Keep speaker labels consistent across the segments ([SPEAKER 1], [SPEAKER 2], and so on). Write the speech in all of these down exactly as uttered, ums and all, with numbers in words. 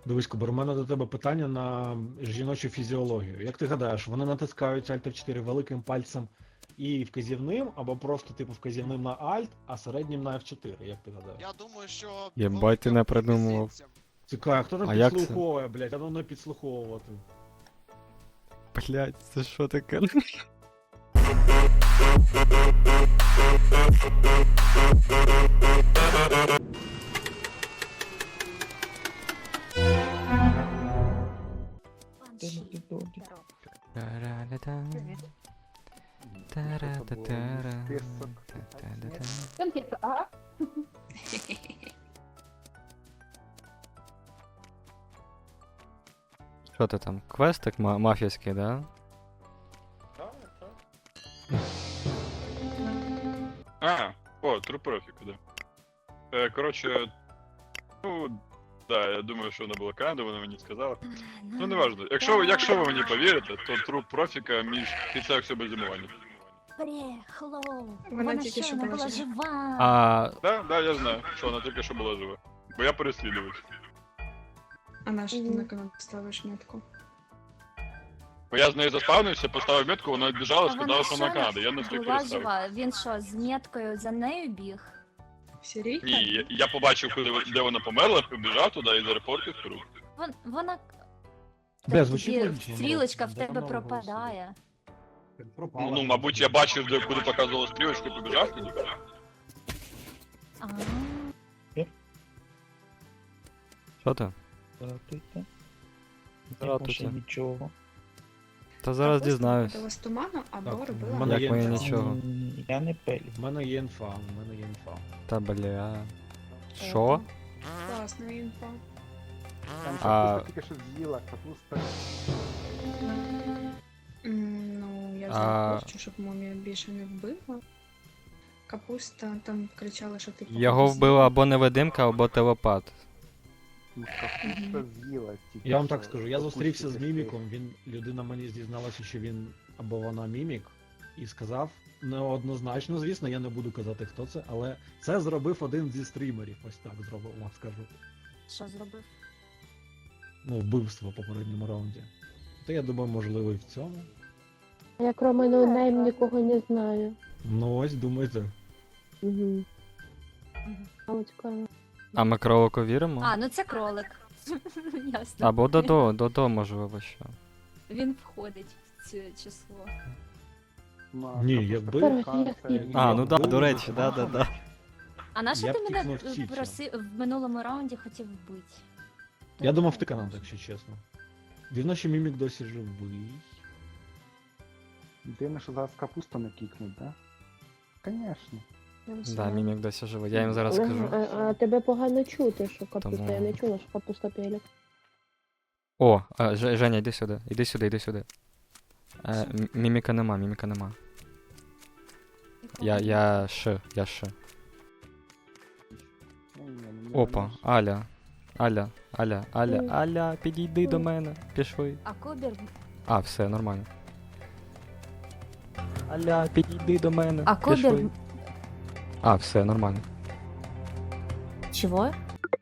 [SPEAKER 1] Дивись, Кубер, у мене до тебе питання на жіночу фізіологію. Як ти гадаєш, вони натискають Alt еф чотири великим пальцем і вказівним, або просто типу вказівним на Alt, а середнім на еф чотири, як ти гадаєш?
[SPEAKER 2] Я думаю, що...
[SPEAKER 3] Єбать, ти не придумував.
[SPEAKER 2] мізинцем.
[SPEAKER 1] Цікаво, хто там
[SPEAKER 3] А як це?
[SPEAKER 1] підслуховує, блядь, а ну не підслуховувати.
[SPEAKER 3] Блять, це що таке?
[SPEAKER 4] Конфетка, а?
[SPEAKER 3] Що ти там? Квестик ма- мафійський, да?
[SPEAKER 5] А, о, True Profit, да. Е, коротше, ну, да, я думаю, що вона була Канада, вона мені сказала. Ну, не важливо. Якщо, ви- якщо ви мені повірите, то True Profit між кінця всього без зимування.
[SPEAKER 6] Брехло.
[SPEAKER 4] Вона
[SPEAKER 6] Вона
[SPEAKER 4] тільки що
[SPEAKER 6] щойно
[SPEAKER 4] була
[SPEAKER 6] була
[SPEAKER 4] жива.
[SPEAKER 6] жива.
[SPEAKER 3] А
[SPEAKER 5] Да, да, я знаю, що вона тільки що була жива. Бо я переслідувач.
[SPEAKER 4] А на що ти на канал ставиш метку?
[SPEAKER 5] Бо я з нею заспавнився, поставив метку, вона відбіжала,
[SPEAKER 6] А
[SPEAKER 5] сказала, що вона
[SPEAKER 6] щойно
[SPEAKER 5] Канада. Я не встиг
[SPEAKER 6] була
[SPEAKER 5] переставити.
[SPEAKER 6] жива. Він що, з меткою за нею біг?
[SPEAKER 4] Сірійка?
[SPEAKER 5] Ні, я, я побачив, коли, ви- де вона померла, побіжав туди і зарепортив круг.
[SPEAKER 6] Вон, вона...
[SPEAKER 1] Бля,
[SPEAKER 6] Так
[SPEAKER 1] звучить
[SPEAKER 6] тобі
[SPEAKER 1] логічно,
[SPEAKER 6] стрілочка
[SPEAKER 1] ну,
[SPEAKER 6] в
[SPEAKER 1] де
[SPEAKER 6] тебе
[SPEAKER 1] вона
[SPEAKER 6] пропадає.
[SPEAKER 1] Пропала.
[SPEAKER 5] Ну, ну, мабуть, я бачив, де куди показувала стрілочку і побіжав туди.
[SPEAKER 6] А,
[SPEAKER 3] що ти?
[SPEAKER 7] Здравствуйте.
[SPEAKER 3] Здравствуйте.
[SPEAKER 7] Не нічого.
[SPEAKER 3] Та зараз дізнаюсь.
[SPEAKER 4] Дала з туману або
[SPEAKER 1] Так,
[SPEAKER 4] робила...
[SPEAKER 1] в мене
[SPEAKER 3] Як
[SPEAKER 1] є
[SPEAKER 3] моє
[SPEAKER 1] інфа.
[SPEAKER 3] нічого.
[SPEAKER 7] М, Я не пелю.
[SPEAKER 1] В мене є інфа, в мене є інфа.
[SPEAKER 3] Та бля. Що?
[SPEAKER 4] Класна інфа.
[SPEAKER 8] Там
[SPEAKER 3] А-
[SPEAKER 8] капуста тільки що з'їла, капуста.
[SPEAKER 4] М, Ну, я
[SPEAKER 3] А-
[SPEAKER 4] захочу, щоб мумія більше не вбила. Капуста там кричала, що ти
[SPEAKER 3] Його
[SPEAKER 4] погрузила.
[SPEAKER 3] вбила або невидимка, або телепат.
[SPEAKER 8] Ну, Капуста з'їла тільки
[SPEAKER 1] Я вам
[SPEAKER 8] що.
[SPEAKER 1] так скажу, я
[SPEAKER 8] Капусті
[SPEAKER 1] зустрівся з
[SPEAKER 8] тільки
[SPEAKER 1] міміком, він, людина мені дізналася, що він або вона мімік, і сказав неоднозначно, звісно, я не буду казати, хто це, але це зробив один зі стрімерів, ось так зробив, вам скажу.
[SPEAKER 6] що зробив?
[SPEAKER 1] Ну, вбивство в попередньому раунді. То я думаю, можливо, і в цьому.
[SPEAKER 9] Я кроме ноунейм нікого не знаю.
[SPEAKER 1] Ну ось, думайте.
[SPEAKER 9] Угу. Але цікаво.
[SPEAKER 3] А ми кролику віримо?
[SPEAKER 6] А, ну це кролик. Ясно.
[SPEAKER 3] Або Додо, Додо, можливо, що.
[SPEAKER 6] Він входить в це число.
[SPEAKER 8] Ну, а
[SPEAKER 1] Ні,
[SPEAKER 8] капуста
[SPEAKER 1] якби-
[SPEAKER 8] пеканка,
[SPEAKER 9] А,
[SPEAKER 8] як
[SPEAKER 3] А, ну да,
[SPEAKER 8] вбили,
[SPEAKER 3] до речі,
[SPEAKER 8] то
[SPEAKER 3] да, да, да.
[SPEAKER 6] А на що
[SPEAKER 1] Я
[SPEAKER 6] ти
[SPEAKER 1] б
[SPEAKER 6] мене
[SPEAKER 1] тикнув в Чічо.
[SPEAKER 6] просив в минулому раунді хотів вбити?
[SPEAKER 1] Я думав, ти канал, якщо чесно. Дивно, що мімік досі живий.
[SPEAKER 8] Дивно, що зараз капусту не кікнуть, да? Конечно.
[SPEAKER 4] Я
[SPEAKER 3] Да,
[SPEAKER 4] висила.
[SPEAKER 3] мімік досі живий, я їм зараз
[SPEAKER 9] А,
[SPEAKER 3] скажу.
[SPEAKER 9] а, а тебе погано чути, що капуста.
[SPEAKER 3] Тому-
[SPEAKER 9] Я не чула, що капуста пелік.
[SPEAKER 3] О, а, Ж- Женя, йди сюди, іди сюди, іди сюди. Е, м- міміка нема, міміка нема. Я, я Ш, я Ш.
[SPEAKER 8] Ні, ні, ні, ні,
[SPEAKER 3] Опа,
[SPEAKER 8] ні.
[SPEAKER 3] Аля. Аля, Аля, Аля,
[SPEAKER 9] Ой.
[SPEAKER 3] Аля, підійди до
[SPEAKER 9] Ой.
[SPEAKER 3] мене, пішли.
[SPEAKER 6] А Кобір...
[SPEAKER 3] А, все, нормально. Аля, підійди до мене,
[SPEAKER 6] А Кобір...
[SPEAKER 3] пішли. А, все, нормально.
[SPEAKER 6] Чого?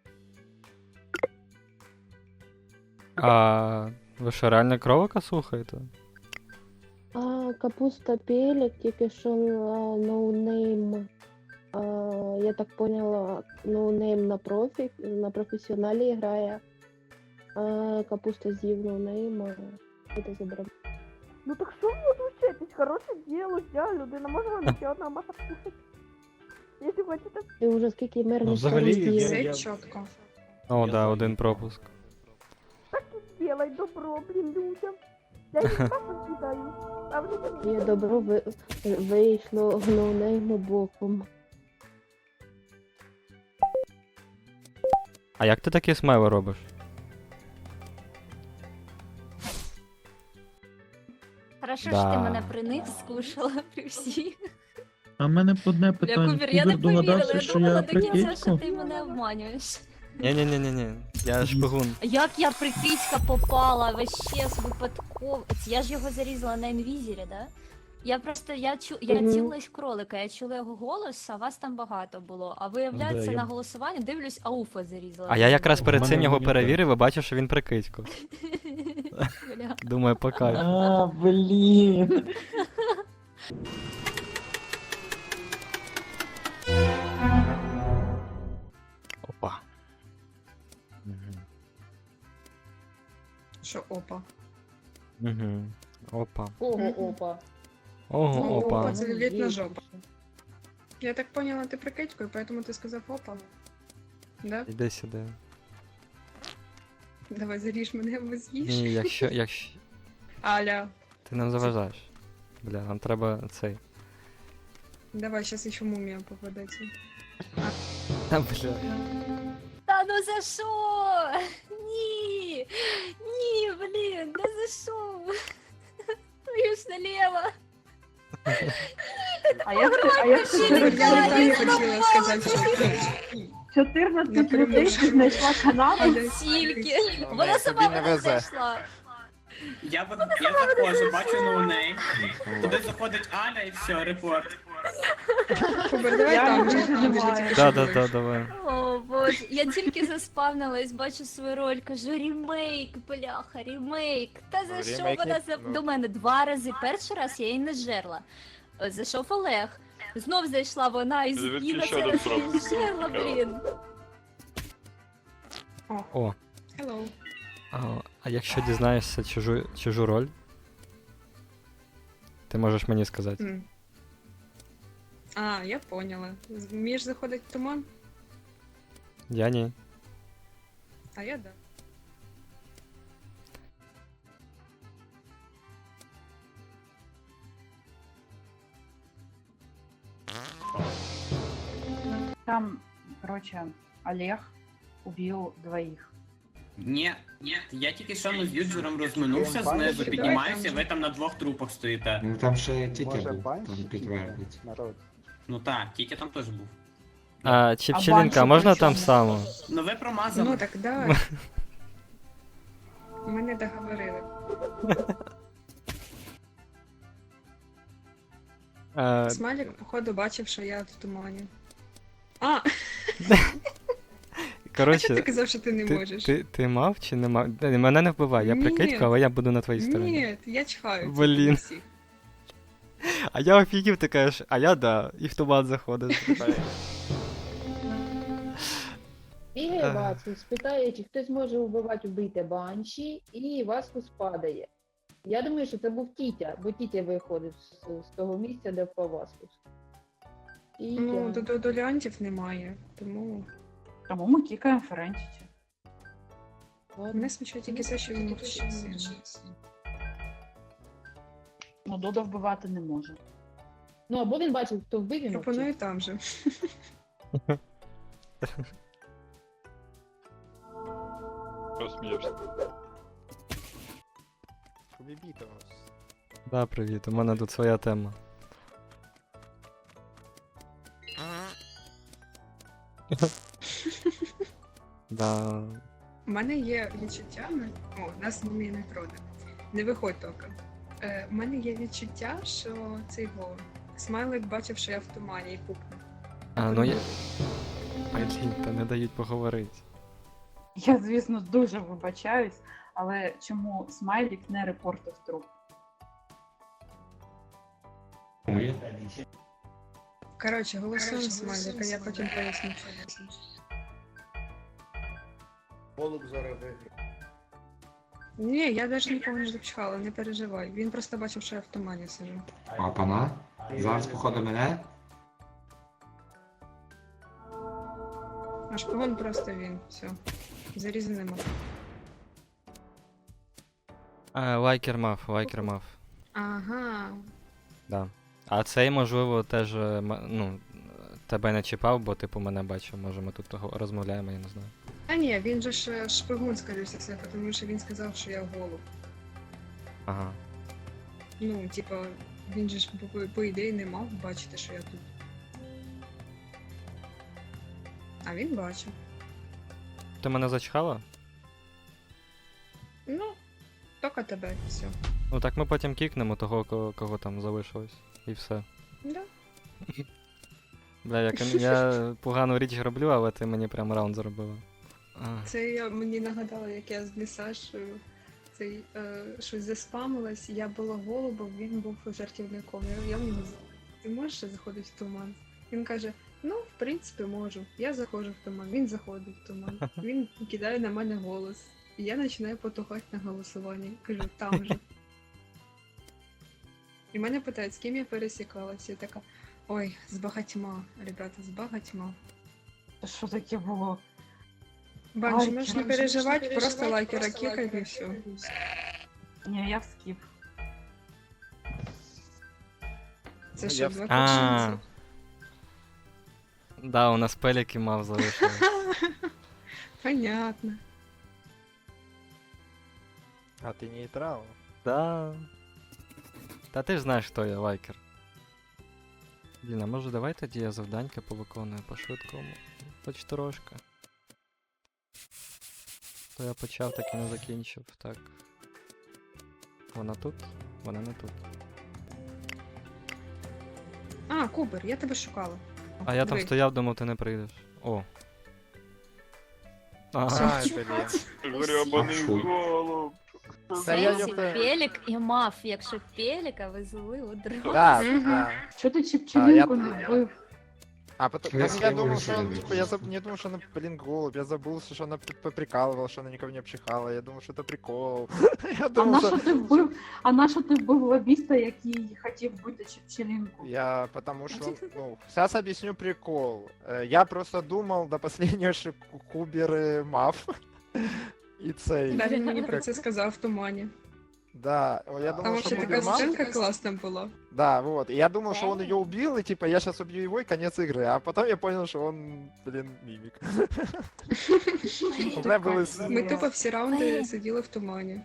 [SPEAKER 3] А ви що, реально кролика слухаєте?
[SPEAKER 9] А, капуста пелік, тільки що а, ноунейм. А, я так поняла, ноунейм на профі, на професіоналі грає. А, капуста з'їв ноунейм, а це забрав.
[SPEAKER 10] Ну так що ви отлучаєтесь? Хороше діло, я людина, може вам ще одна маса вкусить? Якщо хочете.
[SPEAKER 9] І вже скільки мирних
[SPEAKER 1] Ну, взагалі,
[SPEAKER 9] з'їв.
[SPEAKER 1] я-
[SPEAKER 4] Все
[SPEAKER 1] я-
[SPEAKER 4] чітко.
[SPEAKER 3] О,
[SPEAKER 1] Я
[SPEAKER 3] да,
[SPEAKER 1] за.
[SPEAKER 3] один пропуск.
[SPEAKER 10] Так і зробай добро, блін, людям. Я їх просто кидаю. А вони там
[SPEAKER 9] І добро ви... вийшло ноунейму боком.
[SPEAKER 3] А як ти такі смайли робиш?
[SPEAKER 6] Хорошо,
[SPEAKER 3] Да.
[SPEAKER 6] що ти мене при них скушала при всіх.
[SPEAKER 7] А в мене одне
[SPEAKER 6] Я
[SPEAKER 7] питання.
[SPEAKER 6] Кубір, я не
[SPEAKER 7] Кубер
[SPEAKER 6] повірила,
[SPEAKER 7] догадався,
[SPEAKER 6] я
[SPEAKER 7] що
[SPEAKER 6] думала
[SPEAKER 7] я
[SPEAKER 6] до кінця, що
[SPEAKER 7] прикидько.
[SPEAKER 6] ти мене обманюєш.
[SPEAKER 3] Ні-ні-ні-ні, я шпигун.
[SPEAKER 6] Як я прикидька попала, вообще з випадково. Це я ж його зарізала на інвізірі, да? Я просто я чу я
[SPEAKER 9] Мгм.
[SPEAKER 6] цілилась в кролика, я чула його голос, а вас там багато було. А виявляється,
[SPEAKER 1] Да, я-
[SPEAKER 6] на голосуванні дивлюсь, ауфа зарізала.
[SPEAKER 3] А я якраз перед
[SPEAKER 1] У
[SPEAKER 3] цим
[SPEAKER 1] мене
[SPEAKER 3] його
[SPEAKER 1] монітор.
[SPEAKER 3] перевірив і бачив, що він прикидько.
[SPEAKER 6] Бля.
[SPEAKER 3] Думаю, по кайфу.
[SPEAKER 7] А, блін.
[SPEAKER 3] Опа. Мгм.
[SPEAKER 4] Що опа.
[SPEAKER 3] Мгм. Опа.
[SPEAKER 9] Ого,
[SPEAKER 4] Мгм.
[SPEAKER 9] опа.
[SPEAKER 3] Ого,
[SPEAKER 4] Ну,
[SPEAKER 3] опа.
[SPEAKER 4] опа, це літна
[SPEAKER 9] Є
[SPEAKER 4] жопа.
[SPEAKER 9] більше.
[SPEAKER 4] Я так поняла, ти прикидькою, поэтому ти сказав опа. Да?
[SPEAKER 3] Іди сюди.
[SPEAKER 4] Давай заріж мене або з'їж.
[SPEAKER 3] Ні, якщо, якщо
[SPEAKER 4] Аля,
[SPEAKER 3] ти нам заважаєш. Бля, нам треба цей.
[SPEAKER 4] давай, щас ще мумія попадеться.
[SPEAKER 3] Та, бля.
[SPEAKER 6] Та ну за що? Ні! Ні, блін, да за що? Твою ж наліво.
[SPEAKER 10] А я а я
[SPEAKER 6] Ще
[SPEAKER 4] Я
[SPEAKER 6] не
[SPEAKER 4] не
[SPEAKER 6] знаю,
[SPEAKER 4] так
[SPEAKER 6] я
[SPEAKER 4] хотіла сказати, що
[SPEAKER 10] чотирнадцять
[SPEAKER 4] Напряму.
[SPEAKER 10] людей знайшла канал.
[SPEAKER 4] Аля,
[SPEAKER 6] Тільки.
[SPEAKER 4] ти-
[SPEAKER 6] Вона сама
[SPEAKER 2] тобі не
[SPEAKER 6] мене
[SPEAKER 2] везе.
[SPEAKER 6] знайшла.
[SPEAKER 11] Я, от- я заходжу, бачу ноунейм, туди заходить Аля і все, репорт.
[SPEAKER 4] Кубер, давай
[SPEAKER 10] Я
[SPEAKER 4] там
[SPEAKER 10] не
[SPEAKER 4] же, там же
[SPEAKER 10] знаю.
[SPEAKER 4] тільки
[SPEAKER 3] Да,
[SPEAKER 4] що
[SPEAKER 3] да,
[SPEAKER 4] були.
[SPEAKER 3] да, давай.
[SPEAKER 6] О, боже, я тільки заспавнилась, бачу свою роль, кажу, ремейк, бляха, ремейк. Та за
[SPEAKER 2] Ну,
[SPEAKER 6] що
[SPEAKER 2] ремейк
[SPEAKER 6] вона
[SPEAKER 2] не-
[SPEAKER 6] за...
[SPEAKER 2] ну.
[SPEAKER 6] до мене два рази? Перший раз я її не жерла. Е, Зайшов Олег. Знов зайшла вона і, з-
[SPEAKER 5] Дивіться,
[SPEAKER 6] і на
[SPEAKER 5] ще
[SPEAKER 6] цей
[SPEAKER 5] один
[SPEAKER 6] раз я її
[SPEAKER 5] фрукт.
[SPEAKER 6] жерла, блін.
[SPEAKER 3] О,
[SPEAKER 4] Hello.
[SPEAKER 3] а, а якщо дізнаєшся чужу, чужу роль, ти можеш мені сказати.
[SPEAKER 4] М. А, я поняла. Вмієш заходить в туман,
[SPEAKER 3] Я ні.
[SPEAKER 4] а я да.
[SPEAKER 12] Там, короче, Олег убил двоих.
[SPEAKER 11] Ні, ні, я тільки що з юджером розминувся
[SPEAKER 8] Давай,
[SPEAKER 11] знизу,
[SPEAKER 8] давай,
[SPEAKER 11] піднімаюся,
[SPEAKER 4] там
[SPEAKER 11] ви там на двох трупах стоїте.
[SPEAKER 2] Ну там ще тітя
[SPEAKER 8] Може
[SPEAKER 2] був,
[SPEAKER 8] банші
[SPEAKER 2] там
[SPEAKER 8] тільки,
[SPEAKER 2] підтвердить.
[SPEAKER 8] народ.
[SPEAKER 11] Ну так, тітя там теж був.
[SPEAKER 3] А,
[SPEAKER 12] А
[SPEAKER 3] Чіпчелінка,
[SPEAKER 12] банші
[SPEAKER 3] можна
[SPEAKER 12] при
[SPEAKER 3] там
[SPEAKER 12] чому?
[SPEAKER 3] само?
[SPEAKER 11] Ну ви промазали.
[SPEAKER 4] Ну так да. Ми не договорили.
[SPEAKER 3] А,
[SPEAKER 4] Смайлік, походу, бачив, що я в тумані. А, а що
[SPEAKER 3] коротше,
[SPEAKER 4] ти казав, що ти не
[SPEAKER 3] ти,
[SPEAKER 4] можеш?
[SPEAKER 3] ти, ти мав чи не мав? Е, Мене не вбивай, я
[SPEAKER 4] Ні.
[SPEAKER 3] прикидько, але я буду на твоїй стороні.
[SPEAKER 4] Ні, я чхаю.
[SPEAKER 3] Блін.
[SPEAKER 4] всіх.
[SPEAKER 3] А я офігів, ти кажеш, а я да, і в туман заходиш.
[SPEAKER 9] Бігає
[SPEAKER 3] Ага.
[SPEAKER 9] Вацлав, спитає, чи хтось може вбивати вбити банші, і Васкус падає. Я думаю, що це був Тітя, бо Тітя виходив з, з того місця, де впав Васкус. Тітя.
[SPEAKER 4] Ну, до, до, до Леонтів немає, тому
[SPEAKER 12] Тому ми кікаємо Ферентіті.
[SPEAKER 4] мене смішує тільки те, що він мовчить.
[SPEAKER 12] Ну, Додо вбивати не може.
[SPEAKER 9] Ну, або він бачив, хто вбив і
[SPEAKER 4] Пропоную
[SPEAKER 9] мовчить.
[SPEAKER 4] там же.
[SPEAKER 5] Розсміявся.
[SPEAKER 3] Да, привіт, у мене тут своя тема. Да.
[SPEAKER 4] У мене є відчуття, ми- о, нас мумія не проде. Не виходь тільки. Е, у мене є відчуття, що цей го Смайлик бачив, що я в тумані і пукнув.
[SPEAKER 3] А, ну я. Блін, та не дають поговорити.
[SPEAKER 12] Я, звісно, дуже вибачаюсь, але чому Смайлік не репортив труп?
[SPEAKER 4] Коротше, голосуємо Смайлика, я потім поясню.
[SPEAKER 2] Голуб зараз виграє.
[SPEAKER 4] Ні, я навіть нікого не запчхала, не переживай. Він просто бачив, що я в тумані сижу.
[SPEAKER 2] А пана? Зараз походу мене?
[SPEAKER 4] А шпигун просто він, все. Зарізу нема.
[SPEAKER 3] А, лайкер мав, лайкер мав.
[SPEAKER 4] Ага.
[SPEAKER 3] Да. А цей, можливо, теж, е, м- ну, тебе не чіпав, бо типу мене бачив, може ми тут того розмовляємо, я не знаю.
[SPEAKER 4] А ні, він же ж е, шпигун, скоріше все, тому що він сказав, що я голуб.
[SPEAKER 3] Ага.
[SPEAKER 4] Ну, типа, він же ж по, по ідеї не мав бачити, що я тут. А він бачив.
[SPEAKER 3] Ти мене зачхала?
[SPEAKER 4] Ну, тільки тебе, все.
[SPEAKER 3] Ну так ми потім кікнемо того, кого, кого там залишилось. І все.
[SPEAKER 4] Да.
[SPEAKER 3] Бля, я, кон- я погану річ роблю, але ти мені прям раунд зробила. А.
[SPEAKER 4] Це я мені нагадала, як я з Місашою цей е, щось заспамилась. Я була голубом, він був жартівником. Я, я в нього з- ти можеш заходити в туман? Він каже: ну, в принципі, можу. Я заходжу в туман, він заходить в туман. Він кидає на мене голос. І я починаю потухати на голосуванні. Кажу, там же. І мене питають, з ким я пересікалася. Я така: ой, з багатьма, ребята, з багатьма.
[SPEAKER 12] Що таке було?
[SPEAKER 4] Банші,
[SPEAKER 12] Ай,
[SPEAKER 4] можеш не
[SPEAKER 12] короче,
[SPEAKER 4] переживати, просто лайкера кікай і все.
[SPEAKER 12] Ні, я в скіп.
[SPEAKER 4] Це що, два
[SPEAKER 3] А.
[SPEAKER 4] кошенці?
[SPEAKER 3] Да, у нас пеліки мав залишилось.
[SPEAKER 4] Понятно.
[SPEAKER 13] А ти нейтрал?
[SPEAKER 3] Да. Та ти ж знаєш, хто я, лайкер. Блін, а може давай тоді я завданька повиконую по-швидкому. Хоч трошки. То я почав, так і не закінчив. Так. Вона тут? Вона не тут.
[SPEAKER 4] А, Кубер, я тебе шукала.
[SPEAKER 3] А я там
[SPEAKER 4] Диви.
[SPEAKER 3] стояв, думав, ти не прийдеш. О.
[SPEAKER 13] А,
[SPEAKER 3] Ага.
[SPEAKER 13] это блин.
[SPEAKER 5] Гребаний
[SPEAKER 2] Фу.
[SPEAKER 5] голуб.
[SPEAKER 13] Та я
[SPEAKER 6] Сенсі,
[SPEAKER 13] ёпта-
[SPEAKER 6] Пелік і Маф, якщо Пеліка везли у дрон.
[SPEAKER 13] Да,
[SPEAKER 4] Мгм.
[SPEAKER 13] да.
[SPEAKER 12] Що ти
[SPEAKER 13] А,
[SPEAKER 12] Чепчелінку
[SPEAKER 13] я-
[SPEAKER 12] не вбив?
[SPEAKER 13] А потом,
[SPEAKER 2] Я
[SPEAKER 13] так я думал,
[SPEAKER 2] тоже
[SPEAKER 13] что он,
[SPEAKER 2] не
[SPEAKER 13] типа, я заб- не думал, что она, блин, голубь, я забыл, что она п- поприкалывала, что она никого не обчихала, я думал, что это прикол. Я
[SPEAKER 12] А
[SPEAKER 13] думал,
[SPEAKER 12] на
[SPEAKER 13] что...
[SPEAKER 12] що ти вбив? А на що ти вбив лобіста, який хотів вбити Чепчелінку?
[SPEAKER 13] Я, потому что, ну, сейчас объясню прикол. Э, Я просто думал до последнего, что Ку- Кубер и Маф. И цей.
[SPEAKER 4] Да, він мені про
[SPEAKER 13] Как-
[SPEAKER 4] це сказав в тумані.
[SPEAKER 13] Да, я
[SPEAKER 4] Там
[SPEAKER 13] думал, что
[SPEAKER 4] вообще
[SPEAKER 13] Кубер
[SPEAKER 4] така
[SPEAKER 13] Маф.
[SPEAKER 4] сценка класна була.
[SPEAKER 13] Да, вот. И я думал, что он ее убил, и типа я сейчас убью его, и конец игры. А потом я понял, что он, блин, мимик. У меня было... с-
[SPEAKER 4] Ми тупо всі раунди сиділи в тумані.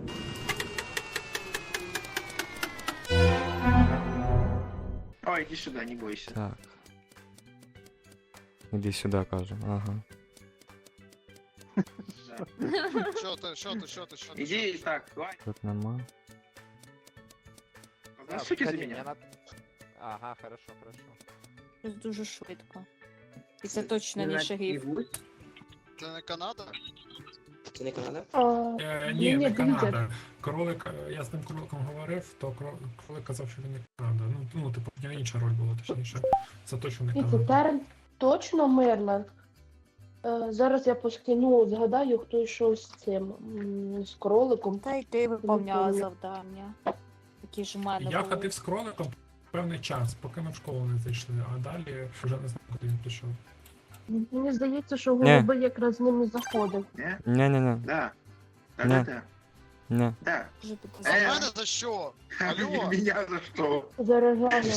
[SPEAKER 2] Ой, иди сюда, не бойся.
[SPEAKER 3] Так. Іди сюди, каже. Ага.
[SPEAKER 2] Что ты, что ты, что ты, что ты? Иди так, давай.
[SPEAKER 3] Тут нема.
[SPEAKER 13] Да,
[SPEAKER 2] Сути за
[SPEAKER 13] Карин,
[SPEAKER 2] меня.
[SPEAKER 13] я на- Ага, хорошо, хорошо.
[SPEAKER 6] Щось дуже швидко. І це точно не шагів.
[SPEAKER 2] Це не Канада? Це не Канада?
[SPEAKER 9] А,
[SPEAKER 14] Е,
[SPEAKER 9] ні,
[SPEAKER 14] ні,
[SPEAKER 9] ні,
[SPEAKER 14] не
[SPEAKER 9] дивіться.
[SPEAKER 14] Канада. Кролик, е, я з тим кроликом говорив, то кро- кролик казав, що він не Канада. Ну, ну типу, в нього інша роль була, точніше. Це точно не
[SPEAKER 9] Дивіться,
[SPEAKER 14] Канада.
[SPEAKER 9] Терен точно Мерланд. Е, Зараз я поскину, згадаю, хто йшов з цим, м, з кроликом.
[SPEAKER 6] Та й ти
[SPEAKER 9] виповняла
[SPEAKER 6] виповняла завдання. Такі ж у мене
[SPEAKER 14] Я
[SPEAKER 6] були.
[SPEAKER 14] ходив з кроликом певний час, поки ми в школу не зайшли, а далі вже не знаю, куди він пішов.
[SPEAKER 9] Мені здається, що
[SPEAKER 3] Ні.
[SPEAKER 9] голуби якраз з ними заходив.
[SPEAKER 3] Ня-ня-ня.
[SPEAKER 2] Да.
[SPEAKER 3] Ні.
[SPEAKER 2] Да-да-да.
[SPEAKER 3] Ня.
[SPEAKER 2] Да.
[SPEAKER 6] Дуже
[SPEAKER 2] А
[SPEAKER 6] підозріло.
[SPEAKER 2] мене за що? Алло? Меня за що?
[SPEAKER 9] Заражали.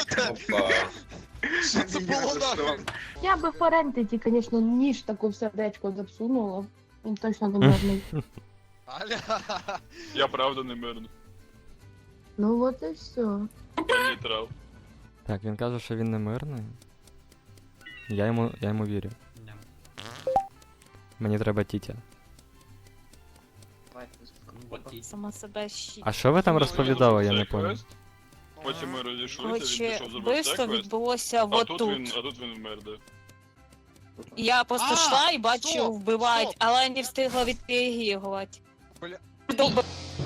[SPEAKER 2] Що це було нахуй?
[SPEAKER 9] Я би Форентиті, звісно, ніж таку в сердечко засунула. Він точно не мирний.
[SPEAKER 2] Аля.
[SPEAKER 5] Я правда не мирний.
[SPEAKER 9] Ну от і все.
[SPEAKER 5] Я нейтрал.
[SPEAKER 3] Так, він каже, що він не мирний. Я йому, я йому вірю. Мені треба тітя.
[SPEAKER 6] Сама себе щі.
[SPEAKER 3] А що ви там розповідали, я не понял.
[SPEAKER 5] Потім ми розійшлися, він
[SPEAKER 6] Коротше,
[SPEAKER 5] пішов зробити
[SPEAKER 6] вбивство
[SPEAKER 5] секвест,
[SPEAKER 6] відбулося
[SPEAKER 5] а
[SPEAKER 6] вот
[SPEAKER 5] тут
[SPEAKER 6] тут.
[SPEAKER 5] він, а тут він вмер, да.
[SPEAKER 6] Я просто
[SPEAKER 2] А,
[SPEAKER 6] йшла і бачу,
[SPEAKER 2] стоп,
[SPEAKER 6] вбивають,
[SPEAKER 2] стоп.
[SPEAKER 6] але не встигла відреагувати.
[SPEAKER 2] Бля.
[SPEAKER 6] Довб-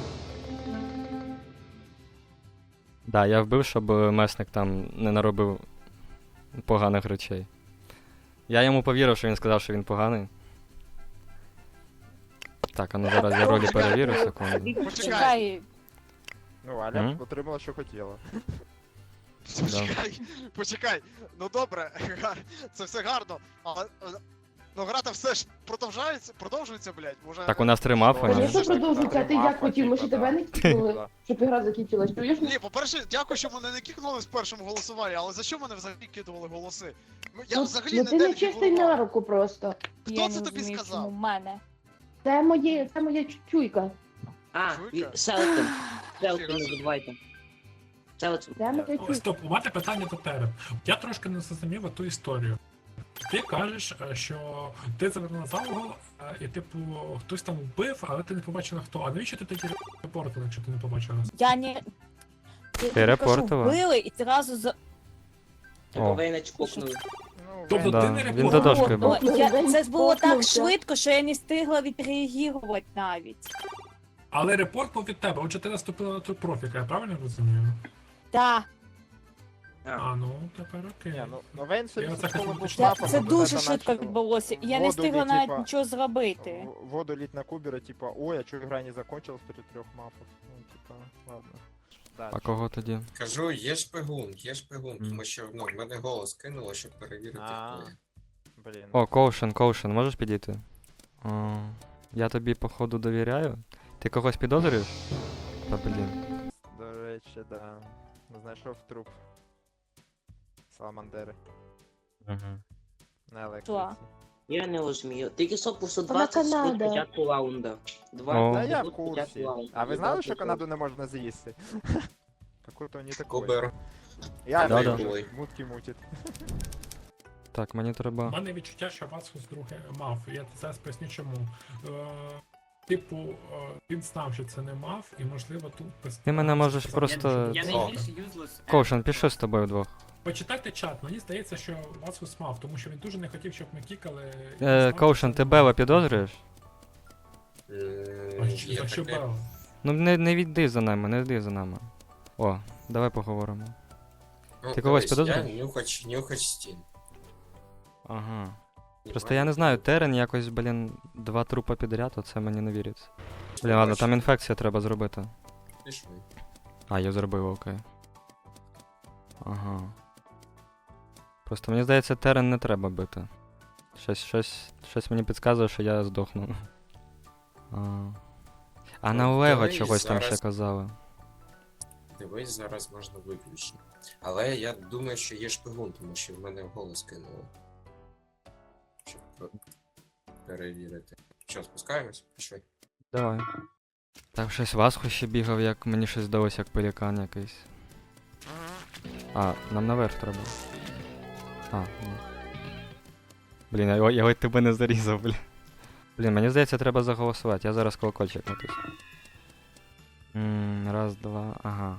[SPEAKER 3] Да, я вбив, щоб е, месник там не наробив поганих речей. Я йому повірив, що він сказав, що він поганий. Так, а ну зараз я ролі перевірю, секунду.
[SPEAKER 6] Чекай,
[SPEAKER 13] Ну, Аля
[SPEAKER 3] Мгм.
[SPEAKER 13] отримала, що хотіла.
[SPEAKER 2] Почекай, почекай. Ну добре, це все гарно, але е, ну грата все ж продовжується, продовжується, блядь, може.
[SPEAKER 3] Так у нас три мафи.
[SPEAKER 13] Звісно,
[SPEAKER 3] ні?
[SPEAKER 9] Звісно, продовжується, а ти як хотів? Ми ще тебе не кикнули, щоб ігра закінчилась. Чуєш?
[SPEAKER 2] Ні, по-перше, дякую, що мене не кікнули в першому голосуванні, але за що мене взагалі кидували голоси? Ну, Я
[SPEAKER 9] Ну,
[SPEAKER 2] взагалі
[SPEAKER 9] ну
[SPEAKER 2] не
[SPEAKER 9] ти
[SPEAKER 2] те
[SPEAKER 9] не чистий на руку просто.
[SPEAKER 6] я
[SPEAKER 2] Хто
[SPEAKER 6] не
[SPEAKER 2] це тобі
[SPEAKER 6] розумію,
[SPEAKER 2] сказав?
[SPEAKER 6] чому в мене.
[SPEAKER 9] Це моє, це моя чуйка.
[SPEAKER 2] А, Чуйка?
[SPEAKER 7] Селтон.
[SPEAKER 2] Селтон, не
[SPEAKER 7] забувайте. Селтон.
[SPEAKER 9] Це моя
[SPEAKER 14] О,
[SPEAKER 9] чуйка.
[SPEAKER 14] Стоп, у мене питання до тебе. Я трошки не зрозумів ту історію. Ти кажеш, е, що ти завернув за угол, е, і типу хтось там вбив, але ти не побачила хто. А навіщо ти тоді репортила, якщо ти не побачила.
[SPEAKER 15] Я не...
[SPEAKER 3] Ти репортила?
[SPEAKER 15] Вбили і зразу за...
[SPEAKER 3] О.
[SPEAKER 7] Вейна чпокнув.
[SPEAKER 14] Тобто
[SPEAKER 3] Да,
[SPEAKER 14] ти не
[SPEAKER 3] він
[SPEAKER 14] репортила.
[SPEAKER 3] за дошкою був.
[SPEAKER 15] О, я... Це ж було так
[SPEAKER 9] Спокнувся.
[SPEAKER 15] швидко, що я не встигла відреагувати навіть.
[SPEAKER 14] Але репорт був від тебе, отже ти наступила на ту профіка, я правильно розумію?
[SPEAKER 15] Так.
[SPEAKER 14] А, ну, тепер окей.
[SPEAKER 13] Ні, ну, ну Вейн
[SPEAKER 14] Я
[SPEAKER 13] сьогодні
[SPEAKER 14] це
[SPEAKER 13] з школи
[SPEAKER 14] хочу
[SPEAKER 13] був
[SPEAKER 15] Це,
[SPEAKER 13] шляпом,
[SPEAKER 15] це
[SPEAKER 13] бо
[SPEAKER 15] дуже
[SPEAKER 13] Гата
[SPEAKER 15] швидко
[SPEAKER 13] начав
[SPEAKER 15] відбулося. Я не
[SPEAKER 13] воду
[SPEAKER 15] встигла
[SPEAKER 13] лить,
[SPEAKER 15] навіть
[SPEAKER 13] типа,
[SPEAKER 15] нічого зробити.
[SPEAKER 13] в- Воду лить на кубера, типа, ой, а чого игра не закончилась при трех мапах? Ну, типа, ладно. Да,
[SPEAKER 3] А кого тоді?
[SPEAKER 16] Кажу, є шпигун, є шпигун,
[SPEAKER 3] Мгм.
[SPEAKER 16] тому що ну, в мене голос кинуло, щоб перевірити,
[SPEAKER 13] А.
[SPEAKER 16] хто я.
[SPEAKER 13] Блін.
[SPEAKER 3] О, Коушен, Коушен, можеш підійти? О, я тобі, походу, довіряю. Ти когось підозрюєш? Та блін.
[SPEAKER 13] До речі, да. Знайшов труп Саламандери
[SPEAKER 3] Угу.
[SPEAKER 13] на електриці.
[SPEAKER 15] Що?
[SPEAKER 7] Я не розумію. Тільки що по сто
[SPEAKER 9] Вона
[SPEAKER 7] двадцять секунд
[SPEAKER 9] Канада.
[SPEAKER 7] початку раунда. Два
[SPEAKER 3] О.
[SPEAKER 13] Та я в
[SPEAKER 7] секунд початку
[SPEAKER 13] курсі.
[SPEAKER 7] раунда.
[SPEAKER 13] А ви знали,
[SPEAKER 7] Два
[SPEAKER 13] що
[SPEAKER 7] секунд.
[SPEAKER 13] Канаду не можна з'їсти? Какой-то не такой.
[SPEAKER 16] Кубер.
[SPEAKER 13] Я
[SPEAKER 3] Да-да.
[SPEAKER 13] вже мутки мутить.
[SPEAKER 3] Так, мені
[SPEAKER 14] У
[SPEAKER 3] треба.
[SPEAKER 14] мене відчуття, що Васхус друге мав. Я зараз поясню чому. Е, типу, е, він знав, що це не мав, і можливо тут без-
[SPEAKER 3] Ти мене можеш
[SPEAKER 14] сказав,
[SPEAKER 3] просто-
[SPEAKER 14] що
[SPEAKER 11] Я
[SPEAKER 14] це
[SPEAKER 11] найбільш
[SPEAKER 14] правда.
[SPEAKER 11] юзлес.
[SPEAKER 3] Коушен, пішли з тобою вдвох.
[SPEAKER 14] Почитайте чат, мені здається, що Васхус мав, тому що він дуже не хотів, щоб ми кікали. і
[SPEAKER 3] Е,
[SPEAKER 14] знав,
[SPEAKER 3] Коушен,
[SPEAKER 14] що
[SPEAKER 3] ти
[SPEAKER 14] це
[SPEAKER 3] Бела
[SPEAKER 14] мав.
[SPEAKER 3] підозрюєш?
[SPEAKER 14] А
[SPEAKER 16] Е,
[SPEAKER 14] що-
[SPEAKER 16] Є
[SPEAKER 14] за що
[SPEAKER 16] таке.
[SPEAKER 14] Бела?
[SPEAKER 3] Ну не, не йди за нами, не йди за нами. О, давай поговоримо.
[SPEAKER 16] Ну,
[SPEAKER 3] Ти когось
[SPEAKER 16] дивись,
[SPEAKER 3] підозрюєш?
[SPEAKER 16] Я нюхач, нюхач стін.
[SPEAKER 3] Ага. Просто я не знаю, Терен якось, блін, два трупа підряд, оце мені не віриться. Блін, ладно, там інфекція треба зробити.
[SPEAKER 16] Пішли.
[SPEAKER 3] А, я зробив, окей. Ага. Просто мені здається, Терен не треба бити. Щось, щось, щось мені підказує, що я здохну. А, а на
[SPEAKER 16] Ну,
[SPEAKER 3] Олега
[SPEAKER 16] дивись,
[SPEAKER 3] чогось там ще
[SPEAKER 16] зараз-
[SPEAKER 3] казали.
[SPEAKER 16] Дивись, зараз можна виключити. Але я думаю, що є шпигун, тому що в мене голос кинуло. Щоб пе- перевірити. Що, спускаємось? Пішли.
[SPEAKER 3] Давай. Так, щось Васху ще бігав, як мені щось здалося, як пелікан якийсь. А, нам наверх треба. А, ні. Блін, я, я ледь тебе не зарізав, блін. Блін, мені здається, треба заголосувати. Я зараз колокольчик натисну. Ммм, раз, два, ага.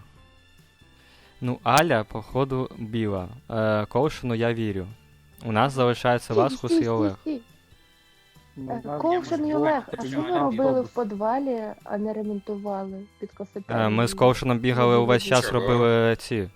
[SPEAKER 3] Ну, Аля, походу, біла. Е, Коушену я вірю. У нас залишається Васхус і Олег.
[SPEAKER 9] Е, Ковшин і Олег, а що ви робили в підвалі, а не ремонтували під
[SPEAKER 3] Е,
[SPEAKER 9] кафетерією?
[SPEAKER 3] ми з Коушеном бігали увесь час,
[SPEAKER 16] Чого?
[SPEAKER 3] робили ці.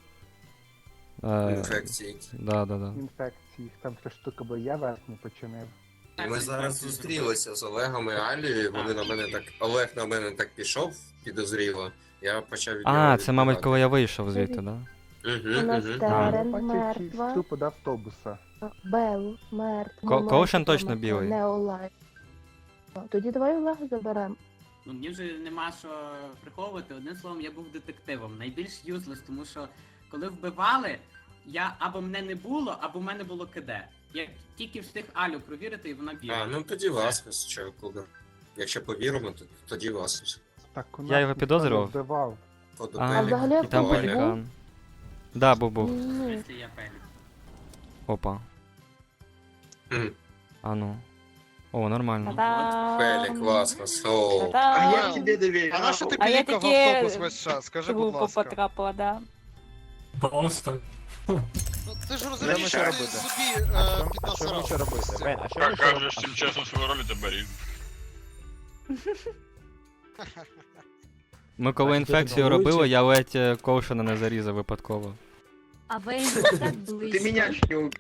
[SPEAKER 3] Е,
[SPEAKER 16] Інфекції.
[SPEAKER 3] Да, да, да.
[SPEAKER 8] Інфекції, там три штуки, бо я верхню починив.
[SPEAKER 16] Ми зараз зустрілися з Олегом і Алією, вони на мене так. Олег на мене так пішов підозріло. Я почав від нього
[SPEAKER 3] А, це, мабуть,
[SPEAKER 16] відбивати.
[SPEAKER 3] коли я вийшов звідти, да?
[SPEAKER 9] У нас
[SPEAKER 16] Угу, угу.
[SPEAKER 9] Терен
[SPEAKER 8] Бачив
[SPEAKER 9] мертва,
[SPEAKER 8] трупу до автобуса.
[SPEAKER 9] Бел мертва.
[SPEAKER 3] Ко-
[SPEAKER 9] Мамай
[SPEAKER 3] Ковшин
[SPEAKER 9] така
[SPEAKER 3] точно
[SPEAKER 9] мертва,
[SPEAKER 3] білий.
[SPEAKER 9] Не Олег. Тоді давай Олега заберемо.
[SPEAKER 11] Ну, мені вже нема що приховувати. Одним словом, я був детективом. Найбільш юзлес, тому що коли вбивали, я або мене не було, або в мене було КД. Я тільки встиг Алю провірити, і вона бігла.
[SPEAKER 16] А, ну тоді Васхус, що Кубер. Якщо повіримо, то тоді Васхус.
[SPEAKER 8] Так, у
[SPEAKER 3] Я
[SPEAKER 8] нас
[SPEAKER 3] його
[SPEAKER 8] ніхто
[SPEAKER 3] підозрював.
[SPEAKER 8] не вбивав.
[SPEAKER 16] Фото
[SPEAKER 3] А,
[SPEAKER 16] Пелік,
[SPEAKER 9] взагалі
[SPEAKER 3] І там
[SPEAKER 9] Олег
[SPEAKER 16] Оля.
[SPEAKER 3] пелікан. Да, був був.
[SPEAKER 9] Ні.
[SPEAKER 11] Якщо я пелік.
[SPEAKER 3] Опа.
[SPEAKER 16] Мгм.
[SPEAKER 3] А ну. О, нормально.
[SPEAKER 15] Та-дам!
[SPEAKER 16] Пелік, Васхус, о.
[SPEAKER 15] Та-дам!
[SPEAKER 2] А я тебе
[SPEAKER 7] довіряю.
[SPEAKER 2] А на що ти
[SPEAKER 15] А я
[SPEAKER 2] пілікав в
[SPEAKER 15] таки
[SPEAKER 2] автобус весь час? Скажи, будь
[SPEAKER 15] Групу
[SPEAKER 2] ласка.
[SPEAKER 15] потрапила, да.
[SPEAKER 14] Просто.
[SPEAKER 2] Ну, ти ж розумієш,
[SPEAKER 13] Що
[SPEAKER 2] що
[SPEAKER 13] ми
[SPEAKER 2] ти
[SPEAKER 13] робити?
[SPEAKER 2] собі
[SPEAKER 13] А
[SPEAKER 2] е,
[SPEAKER 13] що, а що ми
[SPEAKER 2] піднасрав.
[SPEAKER 13] ще робити? Вейн, а що ми
[SPEAKER 5] Как
[SPEAKER 13] ще робити?
[SPEAKER 5] кажеш, чим чесно свою роль тебе різ.
[SPEAKER 3] Ми коли
[SPEAKER 8] Бачите,
[SPEAKER 3] інфекцію
[SPEAKER 8] головуючий.
[SPEAKER 3] робили, я ледь е, Коушена не зарізав випадково.
[SPEAKER 6] А Вейн так близько.
[SPEAKER 7] Ты меня чуть не убил.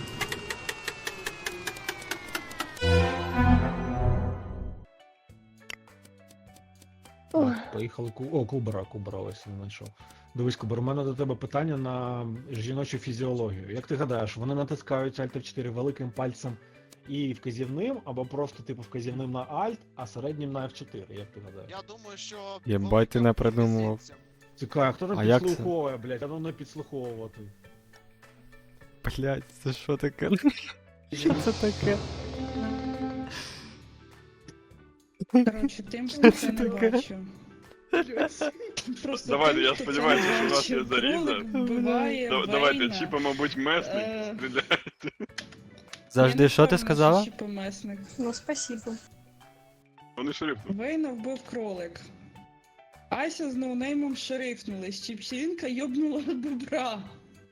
[SPEAKER 9] Ох.
[SPEAKER 1] Так, поїхали ку. О, Кубера, Кубера ось він знайшов. Дивись, Кубер, у мене до тебе питання на жіночу фізіологію. Як ти гадаєш, вони натискають Alt еф чотири великим пальцем і вказівним, або просто типу вказівним на Alt, а середнім на еф чотири, як ти гадаєш?
[SPEAKER 2] Я думаю, що...
[SPEAKER 3] Єбать, ти не придумував.
[SPEAKER 1] Цікаво, хто там
[SPEAKER 3] А як це?
[SPEAKER 1] підслуховує, блядь, а ну не підслуховувати.
[SPEAKER 3] Блять, це що таке? Що це таке?
[SPEAKER 12] Коротше, тим це не
[SPEAKER 3] таке?
[SPEAKER 12] бачу. Просто
[SPEAKER 5] Давайте,
[SPEAKER 12] тим,
[SPEAKER 5] я
[SPEAKER 12] хто це
[SPEAKER 5] сподіваюся, що у нас
[SPEAKER 12] бачив,
[SPEAKER 5] є заріза.
[SPEAKER 12] кролик вбиває
[SPEAKER 5] Да- Давайте,
[SPEAKER 12] Вейна.
[SPEAKER 5] Чіпа, мабуть, месник,
[SPEAKER 12] Е.
[SPEAKER 5] стріляйте.
[SPEAKER 3] Завжди,
[SPEAKER 12] Я
[SPEAKER 3] що
[SPEAKER 12] не
[SPEAKER 3] ти
[SPEAKER 12] впевнена,
[SPEAKER 3] сказала?
[SPEAKER 12] що Чіпа месник.
[SPEAKER 4] Ну, спасибо.
[SPEAKER 5] Вони шериф.
[SPEAKER 12] Вейна вбив кролик.
[SPEAKER 17] Ася з ноунеймом шерифнулись, Чіпчелінка йобнула бобра.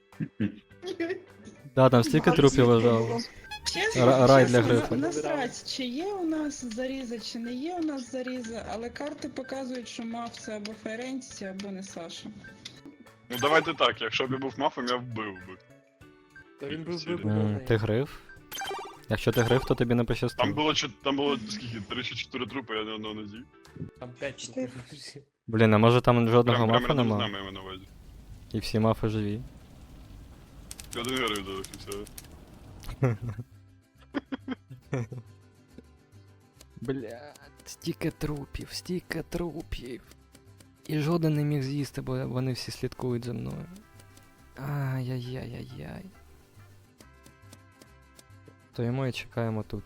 [SPEAKER 3] Да, там стільки трупів лежало.
[SPEAKER 17] Чесно,
[SPEAKER 3] Ра- Рай
[SPEAKER 17] чесно,
[SPEAKER 3] для грифа.
[SPEAKER 17] на- насрать, чи є у нас заріза, чи не є у нас заріза, але карти показують, що мав це або Ференці, або не Саша.
[SPEAKER 5] Ну давайте так, якщо б я був мафом, я вбив би.
[SPEAKER 13] Та він був
[SPEAKER 3] М, Ти гриф? Якщо ти гриф, то тобі не
[SPEAKER 5] Там
[SPEAKER 3] пощастило.
[SPEAKER 5] було чот- там було скільки? три чи чотири трупи, я ні одного не з'їв.
[SPEAKER 13] Там п'ять.
[SPEAKER 3] Блін, а може там жодного
[SPEAKER 5] Прям, прям
[SPEAKER 3] мафа
[SPEAKER 5] рядом з
[SPEAKER 3] нема?
[SPEAKER 5] нами я маю на увазі.
[SPEAKER 3] І всі мафи живі.
[SPEAKER 5] Я один герой залишився.
[SPEAKER 3] Блядь, стільки трупів, стільки трупів. І жоден не міг з'їсти, бо вони всі слідкують за мною. Ай-яй-яй-яй-яй. Стоїмо і чекаємо тут.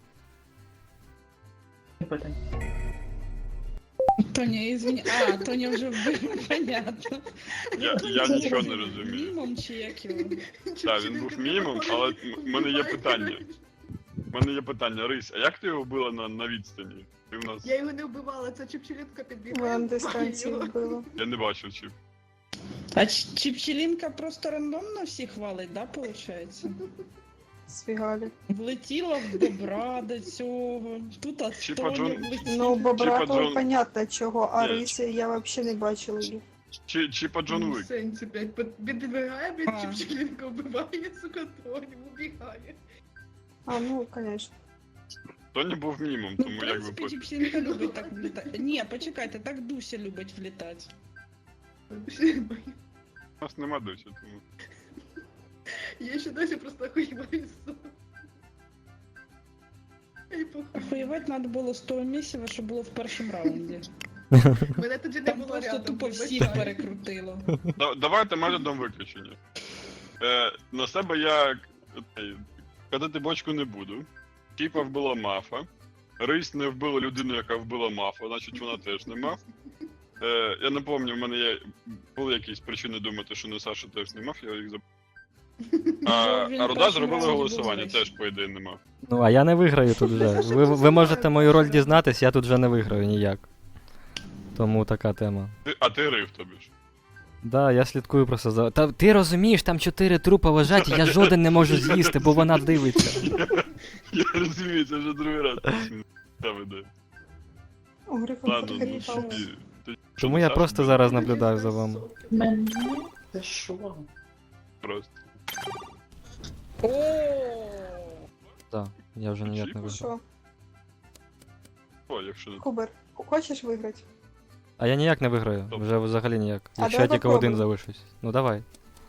[SPEAKER 17] Тоня, извини. А, Тоня вже вбив, понятно.
[SPEAKER 5] Я, я нічого не розумію.
[SPEAKER 17] Мімом чи як його?
[SPEAKER 5] Так, він був мімом, але в мене є питання. У мене є питання, Рись, а як ти його вбила на, на відстані? Ти в нас...
[SPEAKER 10] Я його не вбивала, це Чіпчелінка підбігла.
[SPEAKER 4] Вона на дистанції вбила.
[SPEAKER 5] Я не бачив чіп.
[SPEAKER 17] А Ч- Чіпчелінка просто рандомно всіх валить, да, виходить?
[SPEAKER 4] Сфігалі.
[SPEAKER 17] Влетіла в бобра до цього, тут от
[SPEAKER 5] Чіпа
[SPEAKER 17] Тоня
[SPEAKER 5] Джон-
[SPEAKER 17] влетіла.
[SPEAKER 4] Ну, бобра
[SPEAKER 5] Чіпа
[SPEAKER 4] то
[SPEAKER 5] Джон-
[SPEAKER 4] понятно чого, а
[SPEAKER 5] Ні.
[SPEAKER 4] Рисі я взагалі не бачила її.
[SPEAKER 5] Чи, чіпа Джон Уік.
[SPEAKER 10] Сенсі, блядь, підбігає,
[SPEAKER 17] А.
[SPEAKER 10] блядь, Чіпчелінка вбиває, сука, Тоню, убігає.
[SPEAKER 4] А, ну, конечно.
[SPEAKER 5] Тоні був мімом,
[SPEAKER 17] Ну,
[SPEAKER 5] тому
[SPEAKER 17] в
[SPEAKER 5] якби
[SPEAKER 17] принципі,
[SPEAKER 5] пофіг.
[SPEAKER 17] Чіпчелінка любить так влітати. Ні, почекайте, так Дуся любить влітати.
[SPEAKER 5] У нас нема досі, тому.
[SPEAKER 10] Я ще досі просто охуєваю, сука. Ай, похуй.
[SPEAKER 17] Охуєвати треба було з того місця, що було в першому раунді.
[SPEAKER 10] Мене тоді не
[SPEAKER 17] Там
[SPEAKER 10] було
[SPEAKER 17] просто
[SPEAKER 10] рядом,
[SPEAKER 17] тупо
[SPEAKER 10] вибачаю.
[SPEAKER 17] всіх перекрутило.
[SPEAKER 5] Да, давайте методом виключення. Е, на себе я е, катати бочку не буду. Кіпа вбила мафа. Рись не вбила людину, яка вбила мафа, значить вона теж не маф. Е, я не пам'ятаю, в мене є, були якісь причини думати, що не Саша теж не маф, я їх забув. А,
[SPEAKER 17] Він
[SPEAKER 5] а Руда
[SPEAKER 17] першим
[SPEAKER 5] зробила
[SPEAKER 17] раунді
[SPEAKER 5] голосування,
[SPEAKER 17] був
[SPEAKER 5] теж, по ідеї, не маф.
[SPEAKER 3] Ну, а я не виграю тут вже. Ви, ви можете мою роль дізнатись, я тут вже не виграю ніяк. Тому така тема.
[SPEAKER 5] Ти, а ти рив тобі ж.
[SPEAKER 3] Да, я слідкую просто за. Та ти розумієш, там чотири трупа лежать, і я жоден не можу з'їсти, бо вона дивиться.
[SPEAKER 5] Я розумію, це вже другий раз. Та веде.
[SPEAKER 4] О, Грифа
[SPEAKER 5] Ладно, ну
[SPEAKER 4] перекрутила.
[SPEAKER 5] тоді. ти-
[SPEAKER 3] Тому я
[SPEAKER 5] Саша,
[SPEAKER 3] просто
[SPEAKER 5] ти-
[SPEAKER 3] зараз наблюдаю за вами.
[SPEAKER 7] Та що?
[SPEAKER 5] Просто.
[SPEAKER 3] Так, я вже ніяк не виграю.
[SPEAKER 4] Що,
[SPEAKER 5] О, якщо не
[SPEAKER 4] Кубер, хочеш виграти?
[SPEAKER 3] А я ніяк не виграю, вже взагалі ніяк.
[SPEAKER 4] А
[SPEAKER 3] Якщо я
[SPEAKER 4] давай
[SPEAKER 3] тільки один
[SPEAKER 4] попробуй.
[SPEAKER 3] залишусь. Ну давай.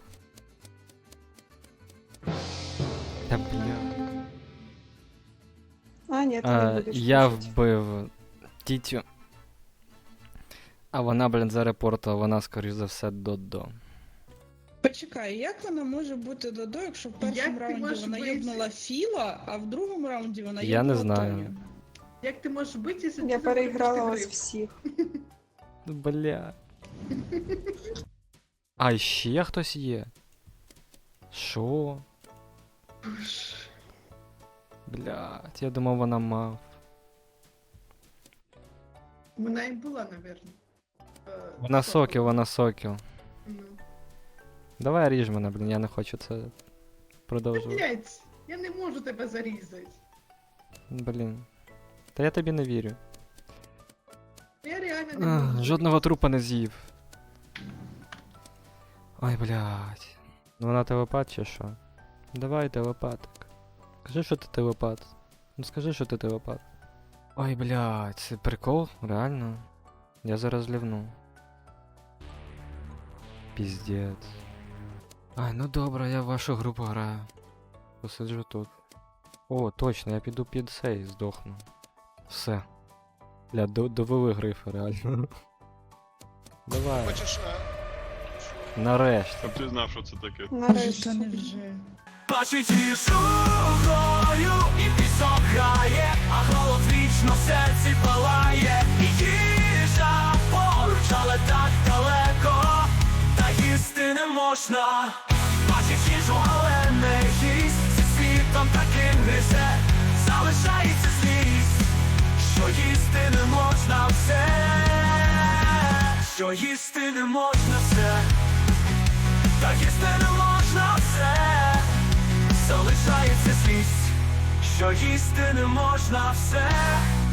[SPEAKER 3] Та бля.
[SPEAKER 4] А, ні, ти не
[SPEAKER 3] А,
[SPEAKER 4] будеш.
[SPEAKER 3] я
[SPEAKER 4] слухати.
[SPEAKER 3] вбив Тітю. А вона, блін, зарепортила, вона, скоріш за все, Додо.
[SPEAKER 17] Почекай, як вона може бути Додо, якщо в першому
[SPEAKER 10] Як ти
[SPEAKER 17] раунді
[SPEAKER 10] можеш
[SPEAKER 17] вона
[SPEAKER 10] бити?
[SPEAKER 17] йобнула Філа, а в другому раунді вона
[SPEAKER 3] Я не
[SPEAKER 17] йобнула
[SPEAKER 3] знаю.
[SPEAKER 17] Тоню?
[SPEAKER 10] Як ти можеш бити, якщо
[SPEAKER 4] Я
[SPEAKER 10] ти
[SPEAKER 4] переіграла
[SPEAKER 10] запустив
[SPEAKER 4] вас
[SPEAKER 10] гриф?
[SPEAKER 4] всіх.
[SPEAKER 3] Бля. А ще хтось є? Що? Блядь, я думав, вона мав.
[SPEAKER 10] Вона і була, напевно. Е,
[SPEAKER 3] Вона сокіл, вона сокіл.
[SPEAKER 10] Ну.
[SPEAKER 3] Давай ріж мене, блін, я не хочу це
[SPEAKER 10] Та,
[SPEAKER 3] продовжувати.
[SPEAKER 10] блядь, я не можу тебе зарізати.
[SPEAKER 3] Блін. Та я тобі не вірю.
[SPEAKER 10] Я реально не
[SPEAKER 3] Ах,
[SPEAKER 10] можу.
[SPEAKER 3] жодного трупа не з'їв. Ой, блядь. Ну вона телепат чи що? Давай, телепатик. Скажи, що ти телепат. Ну скажи, що ти телепат. Ой, блядь, це прикол? Реально? Я зараз лівну. Піздець. Ай, ну добре, я в вашу групу граю. Посиджу тут. О, точно, я піду під цей, здохну. Все. Бля, до- довели грифа, реально. Давай.
[SPEAKER 2] Хочеш. е,
[SPEAKER 3] Нарешті.
[SPEAKER 5] Щоб ти знав, що це таке.
[SPEAKER 4] Нарешті.
[SPEAKER 17] Та не вже.
[SPEAKER 18] Бачить її шухою, і пісок грає, а голод вічно в серці палає. І їжа поруч, але так далеко, та їсти не можна. Бачить їжу, але не їсть, зі світом таким гризе, залишається злість, що їсти не можна все. що їсти не можна все, та їсти не можна все, залишається злість, що їсти не можна все.